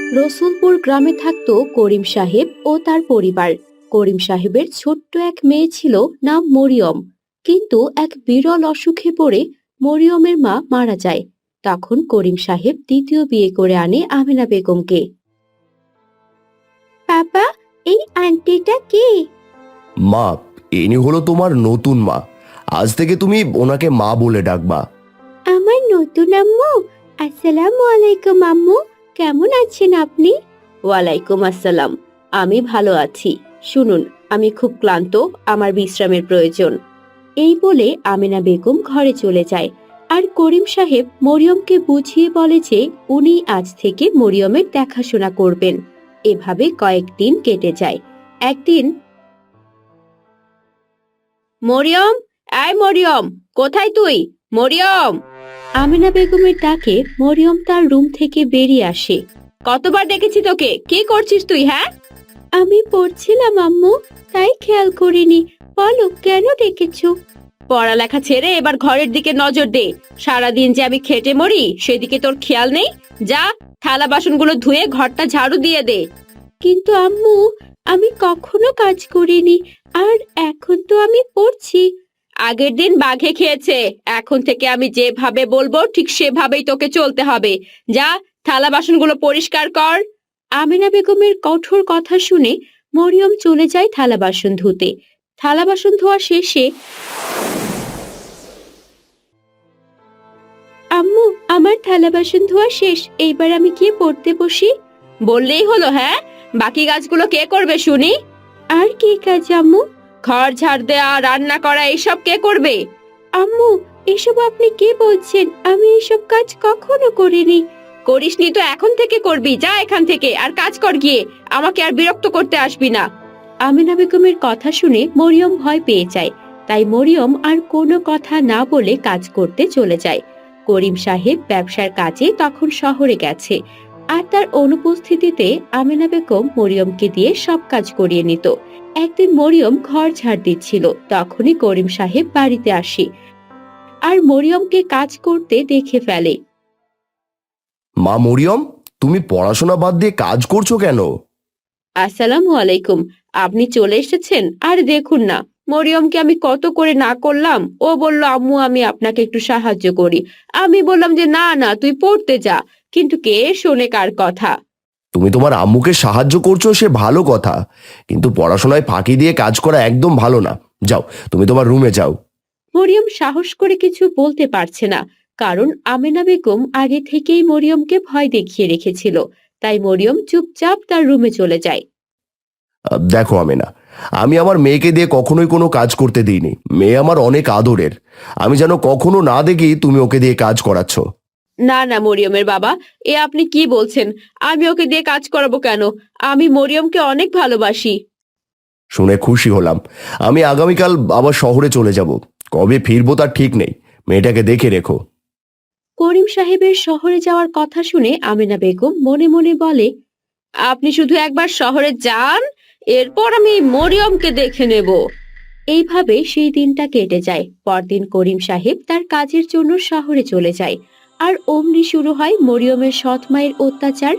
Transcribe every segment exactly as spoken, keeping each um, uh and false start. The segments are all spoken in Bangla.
রসুলপুর গ্রামে থাকতো করিম সাহেব ও তার পরিবার। করিম সাহেবের ছোট্ট এক মেয়ে ছিল, নাম মরিয়ম। কিন্তু এক বিরল অসুখে পড়ে মরিয়মের মা মারা যায়। তখন করিম সাহেব দ্বিতীয় বিয়ে করে আনে আমেনা বেগমকে। বাবা, এই আন্টিটা কে? মা, ইনি হলো তোমার নতুন মা। আজ থেকে তুমি ওনাকে মা বলে ডাকবা। আমার নতুন আম্মু। আসসালামু আলাইকুম আম্মু, কেমন আছেন আপনি? ওয়ালাইকুম আসসালাম, আমি ভালো আছি। শুনুন, আমি খুব ক্লান্ত, আমার বিশ্রামের প্রয়োজন। এই বলে আমেনা বেগম ঘরে চলে যায়। আর করিম সাহেব মরিয়মকে বুঝিয়ে বলে যে উনি আজ থেকে মরিয়মের দেখাশোনা করবেন। এভাবে কয়েকদিন কেটে যায়। একদিন, মরিয়ম, আয় মরিয়ম, কোথায় তুই? মরিয়ম! আমেনা বেগমের ডাকে মরিয়ম তার রুম থেকে বেরিয়ে আসে। কতবার দেখেছি তোকে, কি করছিস তুই? হ্যাঁ, আমি পড়ছিলাম আম্মু, তাই খেয়াল করিনি। বলো, কেন ডেকেছো? পড়ালেখা ছেড়ে এবার ঘরের দিকে নজর দে। সারাদিন যে আমি খেটে মরি, সেদিকে তোর খেয়াল নেই। যা, থালা বাসনগুলো ধুয়ে ঘরটা ঝাড়ু দিয়ে দে। কিন্তু আম্মু, আমি কখনো কাজ করিনি, আর এখন তো আমি পড়ছি। আগের দিন বাঘে খেয়েছে, এখন থেকে আমি যেভাবে বলবো ঠিক সেভাবেই তোকে চলতে হবে। যা, থালা বাসনগুলো পরিষ্কার কর। আমিনা বেগমের কঠোর কথা শুনে মরিয়ম চলে যায় থালা বাসন ধুতে। থালা বাসন ধোয়া শেষে, আম্মু, আমার থালা বাসন ধোয়া শেষ, এইবার আমি গিয়ে পড়তে বসি। বললেই হলো? হ্যাঁ, বাকি কাজগুলো কে করবে শুনি? আর কি কাজ আম্মু? ঘর ঝাড় দেয়া, রান্না করা, এইসব কে করবে? আম্মু, এসব আপনি কি বলছেন? আমি এসব কাজ কখনো করিনি। করিসনি তো এখন থেকে করবি। যা এখান থেকে, আর কাজ কর গিয়ে। আমাকে আর বিরক্ত করতে আসবি না। আমিনা বেগমের কথা শুনে মরিয়ম ভয় পেয়ে যায়। তাই মরিয়ম আর কোনো কথা না বলে কাজ করতে চলে যায়। করিম সাহেব ব্যবসার কাজে তখন শহরে গেছে, আর তার অনুপস্থিতিতে আমিনা বেগম মরিয়মকে দিয়ে সব কাজ করিয়ে নিত। একদিন মরিয়ম ঘর ঝাড় দিচ্ছিল, তখনই করিম সাহেব বাড়িতে আসে আর মরিয়মকে কাজ করতে দেখে ফেলে। মা মরিয়ম, তুমি পড়াশোনা বাদ দিয়ে কাজ করছো কেন? আসসালামু আলাইকুম, আপনি চলে এসেছেন। আর দেখুন না, মরিয়মকে আমি কত করে না করলাম। ও বলল, আম্মু আমি আপনাকে একটু সাহায্য করি। আমি বললাম যে না না, তুই পড়তে যা। কিন্তু কে শোনে কার কথা? তুমি তোমার আম্মুকে সাহায্য করছো, সে ভালো কথা, কিন্তু পড়াশোনায় ফাঁকি দিয়ে কাজ করা একদম ভালো না। যাও, তুমি তোমার রুমে যাও। মরিয়ম সাহস করে কিছু বলতে পারছে না, কারণ আমেনা বেগম আগে থেকেই মরিয়মকে ভয় দেখিয়ে রেখেছিল। তাই মরিয়ম চুপচাপ তার রুমে চলে যায়। আহ, দেখো আমেনা, আমি আমার মেয়েকে দিয়ে কখনোই কোনো কাজ করতে দিইনি। মেয়ে আমার অনেক আদরের। আমি যেন কখনো না দেখি তুমি ওকে দিয়ে কাজ করাচ্ছ। না না মরিয়মের বাবা, এ আপনি কি বলছেন? আমি ওকে দিয়ে কাজ করাবো কেন? আমি মরিয়মকে অনেক ভালোবাসি। শুনে খুশি হলাম। আমি আগামীকাল আবার শহরে চলে যাব। কবে ফিরবো তার ঠিক নেই। মেয়েটাকে দেখে রেখো। করিম সাহেবের শহরে যাওয়ার কথা শুনে আমেনা বেগম মনে মনে বলে, আপনি শুধু একবার শহরে যান, এরপর আমি মরিয়মকে দেখে নেব। এইভাবে সেই দিনটা কেটে যায়। পরদিন করিম সাহেব তার কাজের জন্য শহরে চলে যায়। আর অমনি শুরু হয় মরিয়মের সৎ মায়ের অত্যাচার।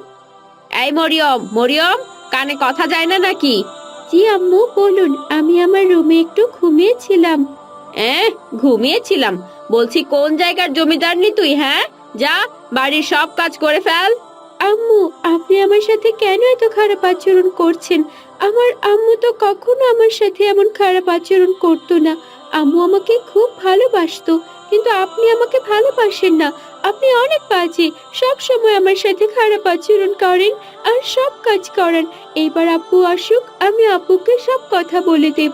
এই মরিয়ম, মরিয়ম, কানে কথা যায় না নাকি? জি আম্মু, বলুন। আমি আমার রুমে একটু ঘুমিয়েছিলাম। এ, ঘুমিয়েছিলাম? বলছি কোন জায়গার জমিদারনি তুই? হ্যাঁ, যা, বাড়ির সব কাজ করে ফেল। আম্মু, আপনি আমার সাথে কেন এত খারাপ আচরণ করছেন? আমার আম্মু তো কখনো আমার সাথে এমন খারাপ আচরণ করতো না। আম্মু আমাকে খুব ভালোবাসতো, কিন্তু আপনি আমাকে ভালোবাসেন না। আপনি অনেক বাজে, সব সময় আমার সাথে খারাপ আচরণ করেন আর সব কাজ করেন। এইবার আব্বু আসুক, আমি আব্বুকে সব কথা বলে দেব।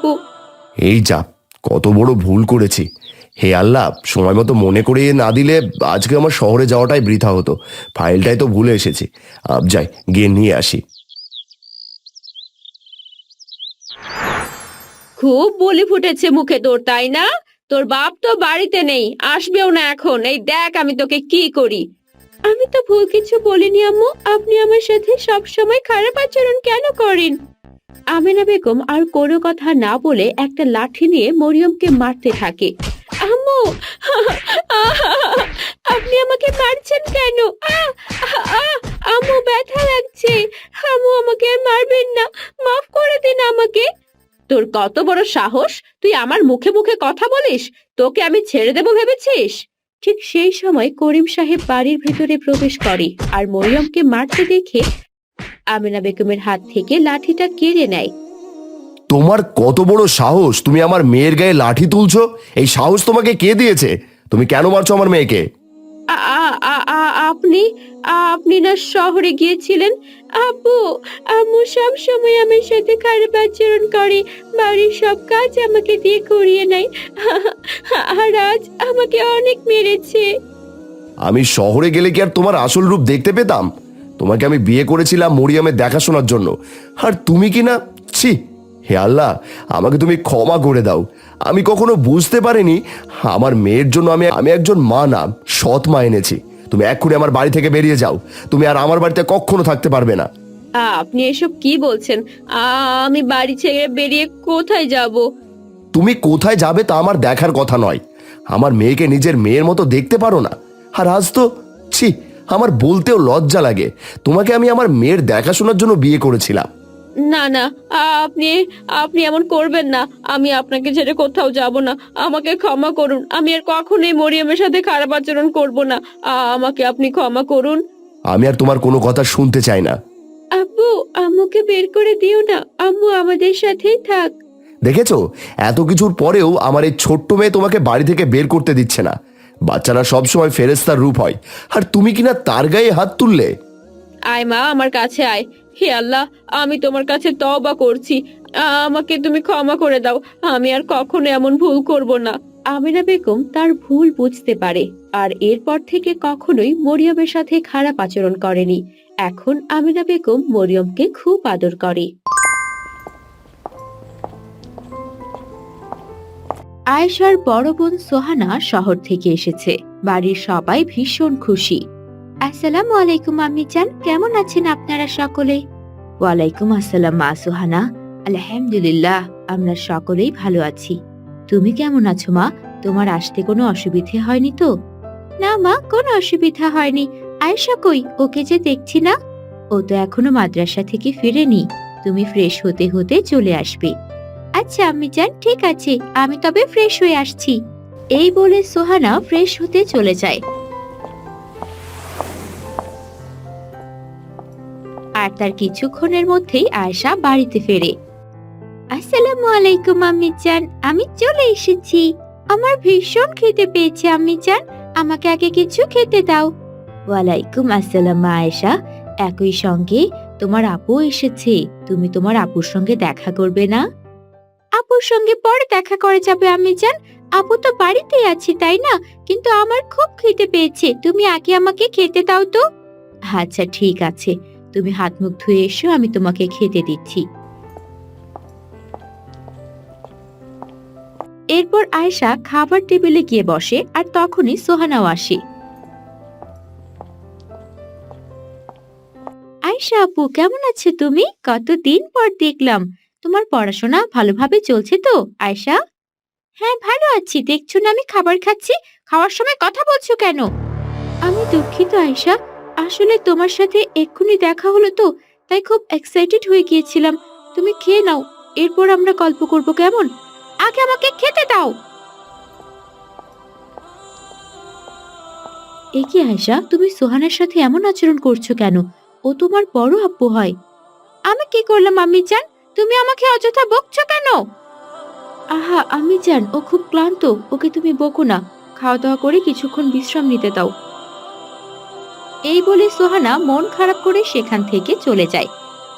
এই যা, কত বড় ভুল করেছি। হে আল্লাহ, সময় মতো মনে করিয়ে না দিলে আজকে আমার শহরে যাওয়াটাই বৃথা হতো। ফাইলটাই তো ভুলে এসেছি। আব যাই, গিয়ে নিয়ে আসি। খুব বলি ফুটেছে মুখে তোর, তাই না? তোর বাপ তো বাড়িতে নেই, আসবেও না এখন। এই দেখ আমি তোকে কি করি। আমি তো ভুল কিছু বলিনি আম্মু, আপনি আমার সাথে সব সময় খারাপ আচরণ কেন করেন? আমেনা বেগম আর কোনো কথা না বলে একটা লাঠি নিয়ে মরিয়মকে মারতে থাকে। আম্মু, আপনি আমাকে মারছেন কেন? আহ, আহ, আহ, আম্মু, ব্যথা লাগছে। পেরেছি। আম্মু আমাকে আর মারবেন না, মাফ করে দিন আমাকে। তোর কত বড় সাহস, তুই আমার মুখে মুখে কথা বলিস? তোকে আমি ছেড়ে দেব ভেবেছিস? ঠিক সেই সময় করিম সাহেব বাড়ির ভেতরে প্রবেশ করে আর মরিয়মকে মারতে দেখে আমেনা বেগমের হাত থেকে লাঠিটা কেড়ে নেয়। তোমার কত বড় সাহস, তুমি আমার মেয়ের গায়ে লাঠি তুলছো? এই সাহস তোমাকে কে দিয়েছে? তুমি কেন মারছো আমার মেয়েকে? আ- আ- আ- আ- আপনি আপনি না শহরে গিয়েছিলেন? আপু, আম্মু সব সময় আমার সাথে খারাপ আচরণ করে, বাড়ির সব কাজ আমাকে দিয়ে করিয়ে নেয়, আর আজ আমাকে অনেক মেরেছে। আমি শহরে গেলে কি আর তোমার আসল রূপ দেখতে পেতাম? তোমাকে আমি বিয়ে করেছিলাম মরিয়মের দেখাশোনার জন্য, আর তুমি কি না, ছি! হে আল্লাহ, আমাকে তুমি ক্ষমা করে দাও। আমি কখনো বুঝতে পারিনি আমার মেয়ের জন্য আমি আমি একজন মা না, সৎ মা এনেছি। তুমি এক্ষুনি আমার বাড়ি থেকে বেরিয়ে যাও। তুমি আর আমার বাড়িতে কখনো থাকতে পারবে না। আপনি এসব কি বলছেন? আ- আমি বাড়ি ছেড়ে বেরিয়ে কোথায় যাব? তুমি কোথায় যাবে তা আমার দেখার কথা নয়। আমার মেয়েকে নিজের মেয়ের মতো দেখতে পারো না? আর আজ তো, ছি, আমার বলতেও লজ্জা লাগে। তোমাকে আমি আমার মেয়ের দেখাশোনার জন্য বিয়ে করেছিলাম। না না, আপনি আপনি এমন করবেন না। আমি আপনাকে ছেড়ে কোথাও যাব না। আমাকে ক্ষমা করুন, আমি আর কখনোই মরিয়মের সাথে খারাপ আচরণ করব না। আ- আমাকে আপনি ক্ষমা করুন। আমি আর তোমার কোনো কথা শুনতে চাই না। আব্বু, আম্মুকে বের করে দিও না, আম্মু আমাদের সাথেই থাক। দেখেছো, এত কিছুর পরেও আমার এই ছোট্ট মেয়ে তোমাকে বাড়ি থেকে বের করতে দিচ্ছে না। বাচ্চারা সবসময় ফেরেশতার রূপ হয়, আর তুমি কিনা তার গায়ে হাত তুললে। আয় মা, আমার কাছে আয়। হে আল্লাহ, আমি তোমার কাছে তওবা করছি, আ- আমাকে তুমি ক্ষমা করে দাও। আমি আর কখনো এমন ভুল করব না। আমিনা বেগম তার ভুল বুঝতে পারে আর এরপর থেকে কখনোই মরিয়মের সাথে খারাপ আচরণ করেনি। এখন আমিনা বেগম মরিয়মকে খুব আদর করে। আয়েশার বড় বোন সোহানা শহর থেকে এসেছে। বাড়ির সবাই ভীষণ খুশি। আসসালামু আলাইকুম আম্মি জান, কেমন আছেন আপনারা সকলে? ওয়ালাইকুম আসসালাম মা সোহানা, আলহামদুলিল্লাহ আমরা সকলেই ভালো আছি। তুমি কেমন আছো মা? তোমার আসতে কোনো অসুবিধে হয়নি তো? না মা, কোনো অসুবিধা হয়নি। আয়েশা কই, ওকে যে দেখছি না। ও তো এখনো মাদ্রাসা থেকে ফিরেনি। তুমি ফ্রেশ হতে হতে চলে আসবে। আচ্ছা আম্মি জান, ঠিক আছে, আমি তবে ফ্রেশ হয়ে আসছি। এই বলে সোহানা ফ্রেশ হতে চলে যায়। আর তার কিছুক্ষণের মধ্যেই আয়েশা বাড়িতে ফেরে। আসসালামু আলাইকুম আম্মি জান, আমি চলে এসেছি। আমার ভীষণ খেতে পেয়েছে আম্মি জান, আমাকে আগে কিছু খেতে দাও। ওয়ালাইকুম আসসালাম মা আয়েশা, একই সঙ্গে তোমার আপু এসেছে। তুমি তোমার আপুর সঙ্গে দেখা করবে না? আপুর সঙ্গে পরে দেখা করে যাবে আম্মি জান। আপু তো বাড়িতেই আছে তাই না? কিন্তু আমার খুব খেতে পেয়েছে, তুমি আগে আমাকে খেতে দাও তো। আচ্ছা ঠিক আছে, তুমি হাত মুখ ধুয়ে এসো, আমি তোমাকে খেতে দিচ্ছি। এরপর আয়েশা খাবার টেবিলে গিয়ে বসে আর তখনই সোহানাও আসে। আয়েশা আপু, কেমন আছো তুমি? কতদিন পর দেখলাম। তোমার পড়াশোনা ভালোভাবে চলছে তো আয়েশা? হ্যাঁ ভালো আছি, দেখছো না আমি খাবার খাচ্ছি। খাওয়ার সময় কথা বলছো কেন? আমি দুঃখিত আয়েশা, আসলে তোমার সাথে এক্ষুনি দেখা হলো তো, তাই খুব এক্সাইটেড হয়ে গিয়েছিলাম। তুমি খেয়ে নাও, এরপর আমরা গল্প করব কেমন? আগে আমাকে খেতে দাও। এ কি আয়েশা, তুমি সোহানের সাথে এমন আচরণ করছো কেন? ও তোমার বড় আপু হয়। আমি কি করলাম আম্মি জান? তুমি আমাকে অযথা বকছো কেন? আহা আম্মি জান, ও খুব ক্লান্ত, ওকে তুমি বকো না। খাওয়া দাওয়া করে কিছুক্ষণ বিশ্রাম নিতে দাও। এই বলে সোহানা মন খারাপ করে সেখান থেকে চলে যায়।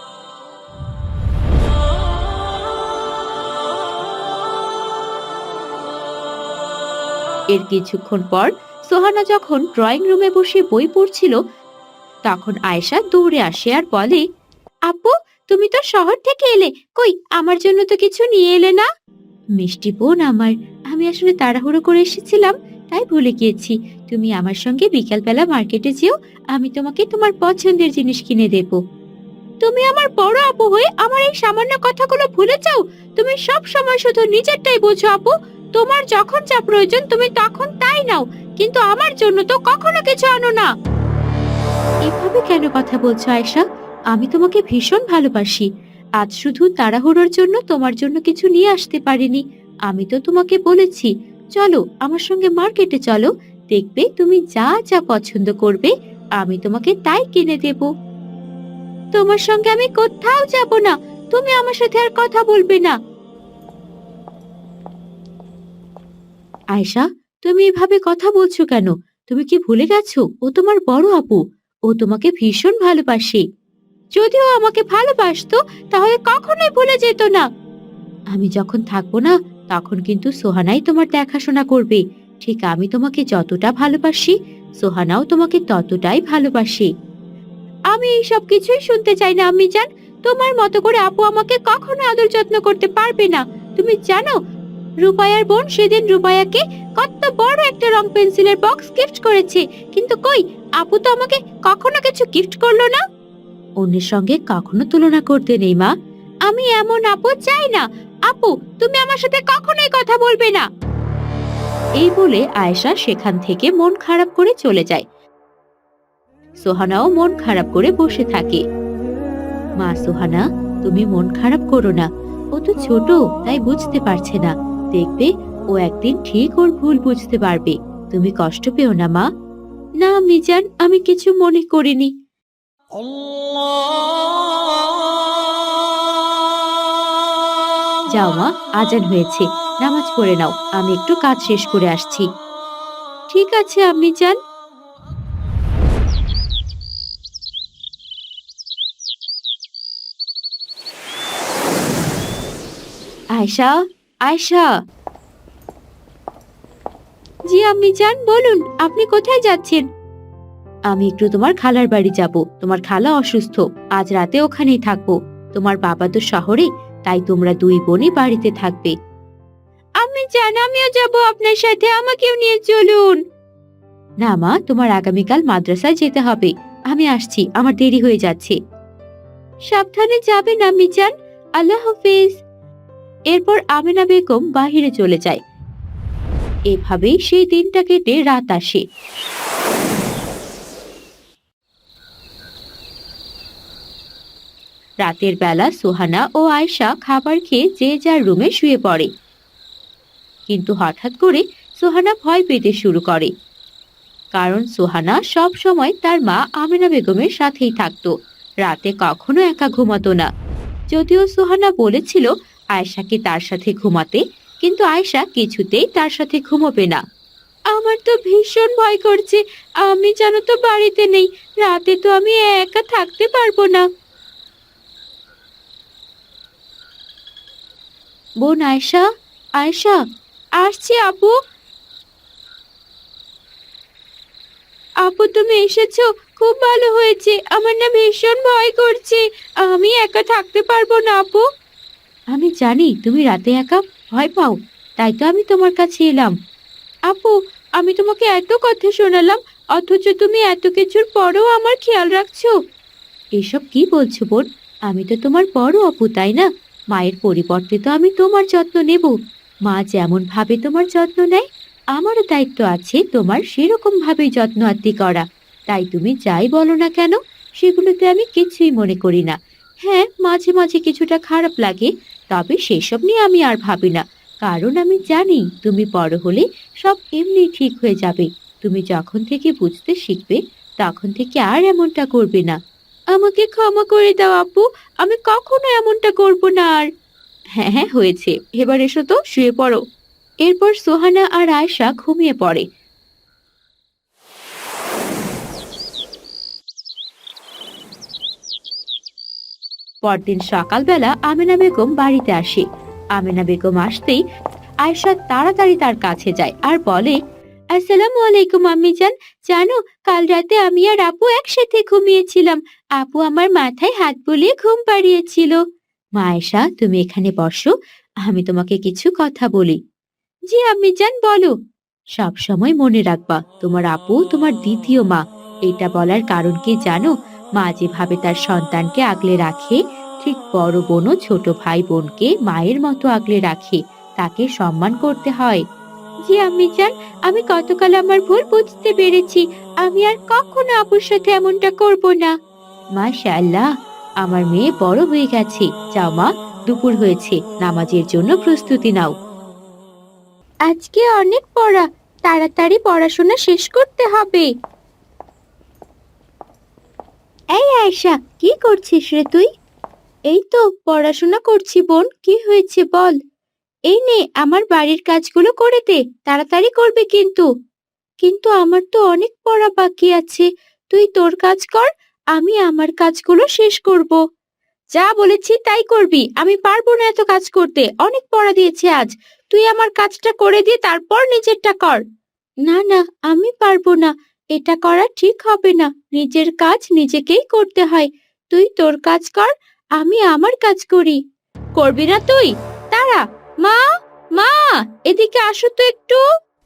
এর কিছুক্ষণ পর সোহানা যখন ড্রয়িং রুমে বসে বই পড়ছিল, তখন আয়েশা দৌড়ে আসে আর বলে, আপু তুমি তো শহর থেকে এলে, কই আমার জন্য তো কিছু নিয়ে এলে না? মিষ্টি বোন আমার, আমি আসলে তাড়াহুড়ো করে এসেছিলাম, তাই ভুলে গিয়েছি। তুমি আমার সঙ্গে বিকালবেলা মার্কেটে যেও, আমি তোমাকে তোমার পছন্দের জিনিস কিনে দেব। তুমি আমার বড় আপু হয়ে আমার এই সামান্য কথাগুলো ভুলে যাও? তুমি সব সময় শুধু নিজেরটাই বোঝো আপু। তোমার যখন যা প্রয়োজন তুমি তখন তাই নাও, কিন্তু আমার জন্য তো কখনো কিছু আনো না। এভাবে কেন কথা বলছো আয়েশা? আমি তোমাকে ভীষণ ভালোবাসি। আজ শুধু তাড়াহুড়োর জন্য তোমার জন্য কিছু নিয়ে আসতে পারিনি। আমি তো তোমাকে বলেছি, চলো আমার সঙ্গে মার্কেটে চলো, দেখবে তুমি যা যা পছন্দ করবে আমি তোমাকে তাই কিনে দেব। তোমার সঙ্গে আমি কোথাও যাব না, তুমি আমার সাথে আর কথা বলবে না। আয়শা, তুমি এভাবে কথা বলছো কেন? তুমি কি ভুলে গেছো ও তোমার বড় আপু? ও তোমাকে ভীষণ ভালোবাসে। যদিও আমাকে ভালোবাসতো তাহলে কখনোই ভুলে যেত না। আমি যখন থাকবো না তখন কিন্তু সোহানাই তোমার দেখাশোনা করবে। ঠিক আমি তোমাকে যতটা ভালোবাসি সোহানাও তোমাকে ততটাই ভালোবাসে। আমি এই সব কিছুই শুনতে চাই না আম্মি জান। তোমার মতো করে আপু আমাকে কখনো আদর যত্ন করতে পারবে না। তুমি জানো রূপায়ার বোন সেদিন রূপায়াকে কত বড় একটা রং পেন্সিলের বক্স গিফট করেছে, কিন্তু কই আপু তো আমাকে কখনো কিছু গিফট করলো না। অন্যের সঙ্গে কখনো তুলনা করতে নেই মা। আমি এমন আপু চাই না। আপু, তুমি আমার সাথে কখনোই কথা বলবে না। এই বলে আয়েশা সেখান থেকে মন খারাপ করে চলে যায়। সোহানাও মন খারাপ করে বসে থাকে। মা সোহানা, তুমি মন খারাপ করো না। ও তো ছোট, তাই বুঝতে পারছে না। দেখবে ও একদিন ঠিক ওর ভুল বুঝতে পারবে। তুমি কষ্ট পেও না মা। না মিজান, আমি কিছু মনে করিনি। যাও মা, আজান হয়েছে, নামাজ পড়ে নাও। আমি একটু কাজ শেষ করে আসছি। ঠিক আছে আম্মি জান। আয়শা, আয়শা। জি আম্মি জান, বলুন আপনি কোথায় যাচ্ছেন? আমি একটু তোমার খালার বাড়ি যাব। তোমার খালা অসুস্থ, আজ রাতে ওখানেই থাকবো। তোমার বাবা তো শহরে, তাই তোমরা দুই বোনই বাড়িতে থাকবে। আমি জান, আমিও যাব আপনার সাথে, আমাকেও নিয়ে চলুন। না মা, তোমার আগামীকাল মাদ্রাসায় যেতে হবে। আমি আসছি, আমার দেরি হয়ে যাচ্ছে। সাবধানে যাবেন আম্মি জান। আল্লাহ হাফেজ। এরপর আমিনা বেগম বাহিরে চলে যায়। এভাবেই সেই দিনটা কেটে রাত আসে। রাতের বেলা সোহানা ও আয়শা খাবার খেয়ে যে যার রুমে শুয়ে পড়ে। কিন্তু হঠাৎ করে সোহানা ভয় পেতে শুরু করে, কারণ সোহানা সব সময় তার মা আমিনা বেগমের সাথেই থাকতো। রাতে কখনো একা ঘুমাতো না। যদিও সোহানা বলেছিল আয়শাকে তার সাথে ঘুমাতে, কিন্তু আয়শা কিছুতেই তার সাথে ঘুমোবে না। আমার তো ভীষণ ভয় করছে। আমি জানো তো বাড়িতে নেই। রাতে তো আমি একা থাকতে পারবো না। বোন আয়শা, আয়শা, আসছি আপু। আপু তুমি এসেছো, খুব ভালো হয়েছে। আমার না ভীষণ ভয় করছে। আমি একা থাকতে পারবো না আপু। আমি জানি তুমি রাতে একা ভয় পাও, তাই তো আমি তোমার কাছে এলাম। আপু, আমি তোমাকে এত কথা শোনালাম, অথচ তুমি এত কিছুর পরেও আমার খেয়াল রাখছো। এসব কি বলছো বোন? আমি তো তোমার বড় আপু, তাই না? মায়ের পরিবর্তে তো আমি তোমার যত্ন নেব। মা যেমন ভাবে তোমার যত্ন নেয়, আমারও দায়িত্ব আছে তোমার সেরকম ভাবেই যত্ন আত্তি করা। তাই তুমি যাই বলো না কেন, সেগুলোতে আমি কিছুই মনে করি না। হ্যাঁ, মাঝে মাঝে কিছুটা খারাপ লাগে, তবে সেসব নিয়ে আমি আর ভাবি না। কারণ আমি জানি তুমি বড় হলে সব এমনি ঠিক হয়ে যাবে। তুমি যখন থেকে বুঝতে শিখবে তখন থেকে আর এমনটা করবে না। আমাকে ক্ষমা করে দাও আপু, আমি কখনো এমনটা করব না আর। হ্যাঁ হ্যাঁ, হয়েছে, এবার এসো তো, শুয়ে পড়ো। এরপর সোহানা আর আয়শা ঘুমিয়ে পড়ে। পরদিন সকালবেলা আমেনা বেগম বাড়িতে আসে। আমেনা বেগম আসতেই আয়শা তাড়াতাড়ি তার কাছে যায় আর বলে, আসসালামু আলাইকুম আম্মি জান। জানো, কাল রাতে আমি আর আপু একসাথে ঘুমিয়েছিলাম। আপু আমার মাথায় হাত বুলিয়ে ঘুম পাড়িয়েছিল। মা আয়শা, তুমি এখানে বসো, আমি তোমাকে কিছু কথা বলি। জি আম্মি জান, বলো। সব সময় মনে রাখবা, তোমার আপু তোমার দ্বিতীয় মা। এটা বলার কারণ কি জানো? মা যেভাবে তার সন্তানকে আগলে রাখে, ঠিক বড় বোনও ছোট ভাই বোনকে মায়ের মতো আগলে রাখে। তাকে সম্মান করতে হয়। জি আম্মি জান, আমি গতকাল আমার ভুল বুঝতে পেরেছি। আমি আর কখনো আপুর সাথে এমনটা করব না। মাশাআল্লাহ, আমার মেয়ে বড় হয়ে গেছে। যাও মা, দুপুর হয়েছে, নামাজের জন্য প্রস্তুতি নাও। আজকে অনেক পড়া, তাড়াতাড়ি পড়াশোনা শেষ করতে হবে। এই আয়েশা, কি করছিস রে তুই? এই তো পড়াশোনা করছি বোন, কি হয়েছে বল। এই নে আমার বাড়ির কাজগুলো করে দে, তাড়াতাড়ি করবে কিন্তু। কিন্তু আমার তো অনেক পড়া বাকি আছে, তুই তোর কাজ কর, আমি আমার কাজগুলো শেষ করব। যা বলেছি তাই করবি, আমি পারবো না এত কাজ করতে, অনেক পড়া দিয়েছে আজ। তুই আমার কাজটা করে দিয়ে তারপর নিজেরটা কর। না না, আমি পারবো না, এটা করা ঠিক হবে না, নিজের কাজ নিজেকেই করতে হয়। তুই তোর কাজ কর, আমি আমার কাজ করি। করবি না তুই? দাঁড়া। মা, মা, এদিকে আসো তো একটু।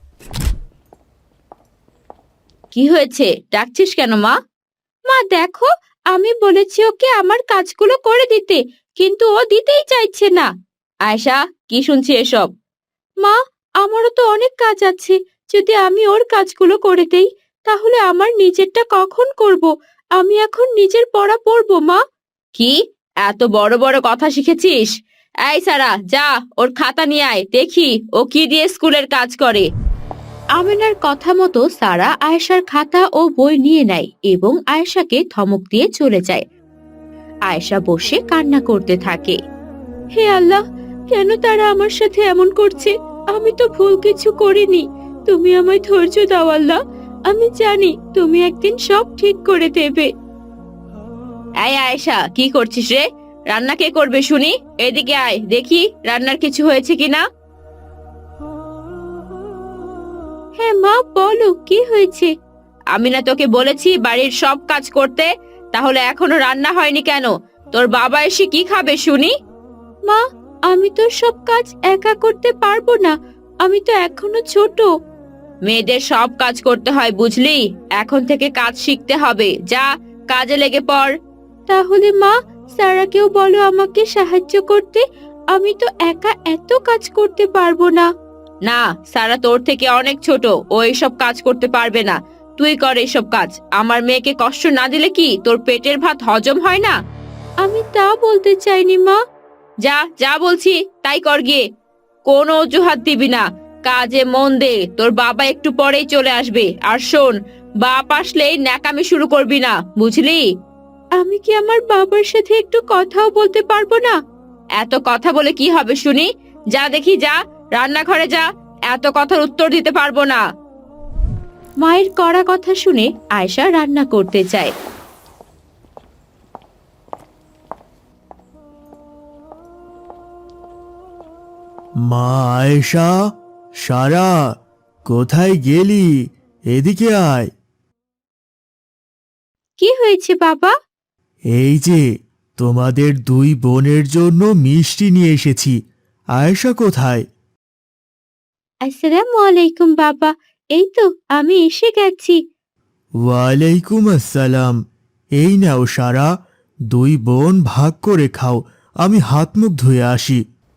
কি হয়েছে, ডাকছিস কেন মা? মা দেখো, আমি বলেছি ওকে আমার কাজগুলো করে দিতে, কিন্তু ও দিতেই চাইছে না। আয়েশা, কি শুনছি এসব? মা, আমারও তো অনেক কাজ আছে, যদি আমি ওর কাজগুলো করে দেই তাহলে আমার নিজেরটা কখন করব? আমি এখন নিজের পড়া পড়বো মা। কি এত বড় বড় কথা শিখেছিস? এই সারা, যা ওর খাতা নিয়ে আয়, দেখি ও কি দিয়ে স্কুলের কাজ করে। আমিনার কথা মতো সারা আয়েশার খাতা ও বই নিয়ে নেয় এবং আয়েশাকে ধমক দিয়ে চলে যায়। আয়েশা বসে কান্না করতে থাকে। হে আল্লাহ, কেন তারা আমার সাথে এমন করছে? আমি তো ভুল কিছু করিনি, তুমি আমায় ধৈর্য দাও আল্লাহ, আমি জানি তুমি একদিন সব ঠিক করে দেবে। এই আয়েশা, কি করছিস রে? রান্না কে করবে শুনি? এদিকে আয়, দেখি রান্নার কিছু হয়েছে কিনা। হ্যাঁ মা, বলো কি হয়েছে? আমি না তোকে বলেছি বাড়ির সব কাজ করতে, তাহলে এখনো রান্না হয়নি কেন? তোর বাবা এসে কি খাবে শুনি? মা, আমি তো সব কাজ একা করতে পারবো না, আমি তো এখনো ছোট। মেয়েদের সব কাজ করতে হয় বুঝলি, এখন থেকে কাজ শিখতে হবে, যা কাজে লেগে পড়। তাহলে মা, সারাকেও বলো আমাকে সাহায্য করতে, আমি তো একা এত কাজ করতে পারবো না। না, সারা তোর থেকে অনেক ছোট, ও এইসব কাজ করতে পারবে না, তুই কর এইসব কাজ। আমার মেয়েকে কষ্ট না দিলে কি তোর পেটের ভাত হজম হয় না? আমি তা বলতে চাইনি মা। যা যা বলছি তাই কর গিয়ে, কোনো অজুহাত দিবি না, কাজে মন দে, তোর বাবা একটু পরেই চলে আসবে। আর শোন, বাপ আসলেই ন্যাকামি শুরু করবি না, বুঝলি? আমি কি আমার বাবার সাথে একটু কথাও বলতে পারবো না? এত কথা বলে কি হবে শুনি? যা দেখি, যা রান্নাঘরে যা, এত কথার উত্তর দিতে পারবো না। মায়ের কড়া কথা শুনে আয়েশা রান্না করতে চায়। মা আয়েশা, সারা, কোথায় গেলি? এদিকে আয়। কি হয়েছে বাবা? এই যে তোমাদের দুই বোনের জন্য মিষ্টি নিয়ে এসেছি। আয়েশা কোথায়? আসসালামু আলাইকুম বাবা, এই তো আমি এসে গেছি। ওয়ালাইকুম আসসালাম। এই নাও সারা, দুই বোন ভাগ করে খাও, আমি হাত মুখ ধুয়ে আসি।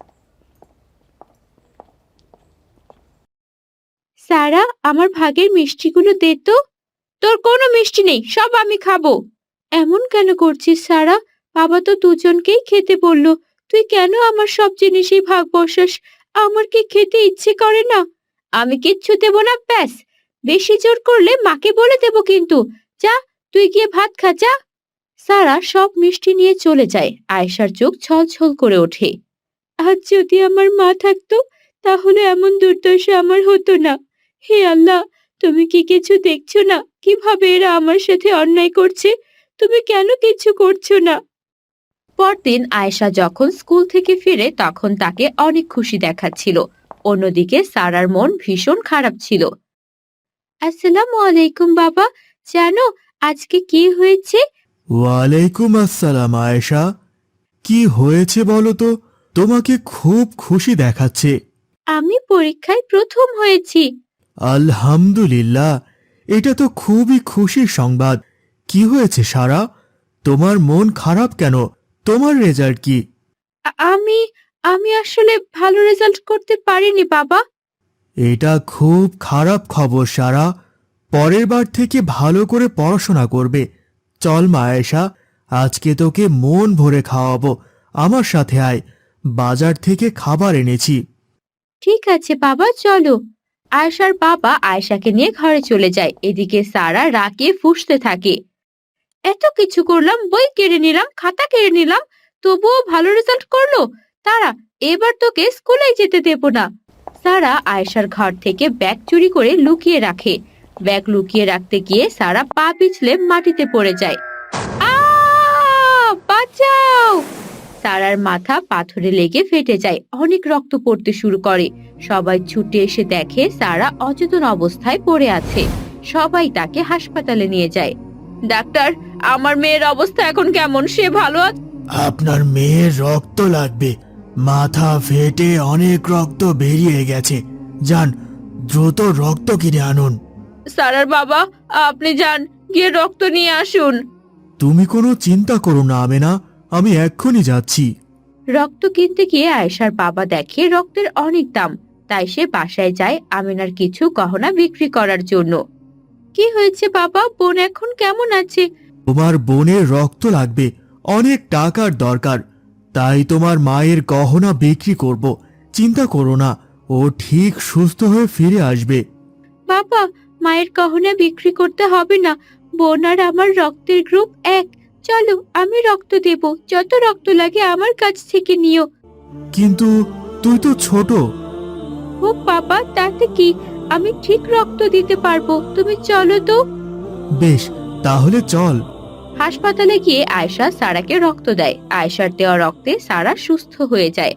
সারা, আমার ভাগের মিষ্টিগুলো দে তো। তোর কোনো মিষ্টি নেই, সব আমি খাবো। এমন কেন করছিস সারা? বাবা তো দুজনকেই খেতে বললো, তুই কেন আমার সব জিনিসই ভাগ বসাস? আমার কি খেতে ইচ্ছে করে না? আমি কিচ্ছু দেব না, ব্যাস। বেশি জোর করলে মাকে বলে দেব কিন্তু। যা, তুই গিয়ে ভাত খা, যা। সারা সব মিষ্টি নিয়ে চলে যায়। আয়েশার চোখ ছলছল করে ওঠে। আজ যদি আমার মা থাকতো তাহলে এমন দুর্দশা আমার হতো না। হে আল্লাহ, তুমি কি কিছু দেখছো না কিভাবে এরা আমার সাথে অন্যায় করছে? তুমি কেন কিছু করছো না? পরদিন আয়েশা যখন স্কুল থেকে ফিরে তখন তাকে অনেক খুশি দেখাচ্ছিল। অন্যদিকে সারার মন ভীষণ খারাপ ছিল। আসসালামু আলাইকুম বাবা, জানো আজকে কি হয়েছে? ওয়ালাইকুম আসসালাম আয়েশা, কি হয়েছে বলো তো? তোমাকে খুব খুশি দেখাচ্ছে। আমি পরীক্ষায় প্রথম হয়েছি। আলহামদুলিল্লাহ, এটা তো খুবই খুশির সংবাদ। কি হয়েছে সারা, তোমার মন খারাপ কেন? তোমার রেজাল্ট কি? আ- আমি আমি আসলে ভালো রেজাল্ট করতে পারিনি বাবা। এটা খুব খারাপ খবর সারা, পরের বার থেকে ভালো করে পড়াশোনা করবে। চল মা আয়েশা, আজকে তোকে মন ভরে খাওয়াবো। আমার সাথে আয়, বাজার থেকে খাবার এনেছি। ঠিক আছে বাবা, চলো। আয়েশার বাবা আয়েশাকে নিয়ে ঘরে চলে যায়। এদিকে সারা রাগে ফুঁসতে থাকে। এত কিছু করলাম, বই কেড়ে নিলাম, খাতা কেড়ে নিলাম, তবুও ভালো রেজাল্ট করলো তারা। এবার তোকে স্কুলে যেতে দেব না। সারা আয়েশার ঘর থেকে ব্যাগ চুরি করে লুকিয়ে রাখে। ব্যাগ লুকিয়ে রাখতে গিয়ে সারা পা পিছলে মাটিতে পড়ে যায়। আ বাঁচাও! সারার মাথা পাথরে লেগে ফেটে যায়। অনেক রক্ত পড়তে শুরু করে। সবাই ছুটে এসে দেখে সারা অচেতন অবস্থায় পড়ে আছে। সবাই তাকে হাসপাতালে নিয়ে যায়। ডাক্তার, আমার মেয়ের অবস্থা এখন কেমন? সে ভালো আছে? আপনার মেয়ের রক্ত লাগবে। মাথা ফেটে অনেক রক্ত বেরিয়ে গেছে। যান, দ্রুত রক্ত কিনে আনুন। সারার বাবা, আপনি যান, গিয়ে রক্ত নিয়ে আসুন। তুমি কোনো চিন্তা করো না আমেনা, আমি এক্ষুনি যাচ্ছি। রক্ত কিনতে গিয়ে আয়েশার বাবা দেখে রক্তের অনেক দাম। তাই সে বাসায় যায় আমিনার কিছু গহনা বিক্রি করার জন্য। কি হয়েছে বাবা? বোন এখন কেমন আছে? তোমার বোনের রক্ত লাগবে, অনেক টাকার দরকার। তাই তোমার মায়ের গহনা বিক্রি করব। চিন্তা করো না, ও ঠিক সুস্থ হয়ে ফিরে আসবে। বাবা, মায়ের গহনা বিক্রি করতে হবে না। বোন আর আমার রক্তের গ্রুপ এক। চলো, আমি রক্ত দেব। যত রক্ত লাগে আমার কাছ থেকে নিও। কিন্তু তুই তো ছোট। ও বাবা, তাতে কি? আমি ঠিক রক্ত দিতে পারবো। তুমি চলো তো। বেশ, তাহলে চল। হাসপাতালে গিয়ে আয়েশা সারাকে রক্ত দেয়। আয়েশার দেওয়া রক্তে সারা সুস্থ হয়ে যায়।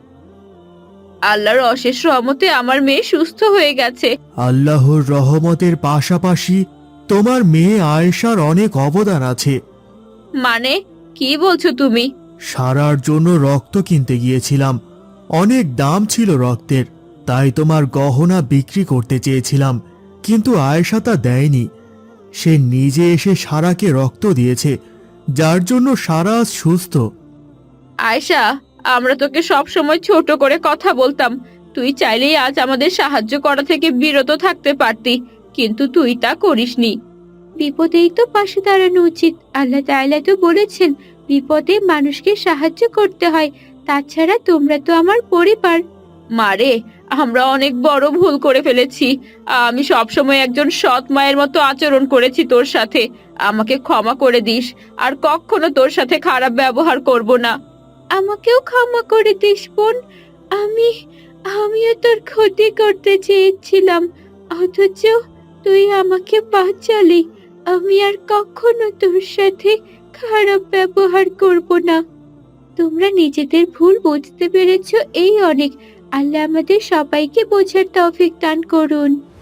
আল্লাহর অশেষ রহমতে আমার মেয়ে সুস্থ হয়ে গেছে। আল্লাহর রহমতের পাশাপাশি তোমার মেয়ে আয়েশার অনেক অবদান আছে। মানে কি বলছো তুমি? সারার জন্য রক্ত কিনতে গিয়েছিলাম, অনেক দাম ছিল রক্তের। তাই তোমার গহনা বিক্রি করতে চেয়েছিলাম, কিন্তু আয়েশা তা দেয়নি। সে নিজে এসে সারাকে রক্ত দিয়েছে, যার জন্য সারা আজ সুস্থ। আয়েশা, আমরা তোকে সব সময় ছোট করে কথা বলতাম। তুই চাইলেই আজ আমাদের সাহায্য করা থেকে বিরত থাকতে পারতি, কিন্তু তুই তা করিসনি। বিপদেই তো পাশে দাঁড়ানো উচিত। আল্লাহ তাআলা তো বলেছেন বিপদে মানুষকে সাহায্য করতে হয়। তাছাড়া তোমরা তো আমার পরিবার। মারে, আমরা অনেক বড় ভুল করে ফেলেছি। আমি সবসময় একজন সৎ মায়ের মতো আচরণ করেছি তোর সাথে। আমাকে ক্ষমা করে দিস, আর কখনো তোর সাথে খারাপ ব্যবহার করব না। আমাকেও ক্ষমা করে দিস বোন। আমি আমিও তোর ক্ষতি করতে চেয়েছিলাম, অথচ তুই আমাকে বাঁচালি। আমি আর কখনো তোর সাথে খারাপ ব্যবহার করব না। তোমরা নিজেদের ভুল বুঝতে পেরেছো, এই অনেক। আল্লাহ আমাদের সবাইকে বোঝার তৌফিক দান করুন।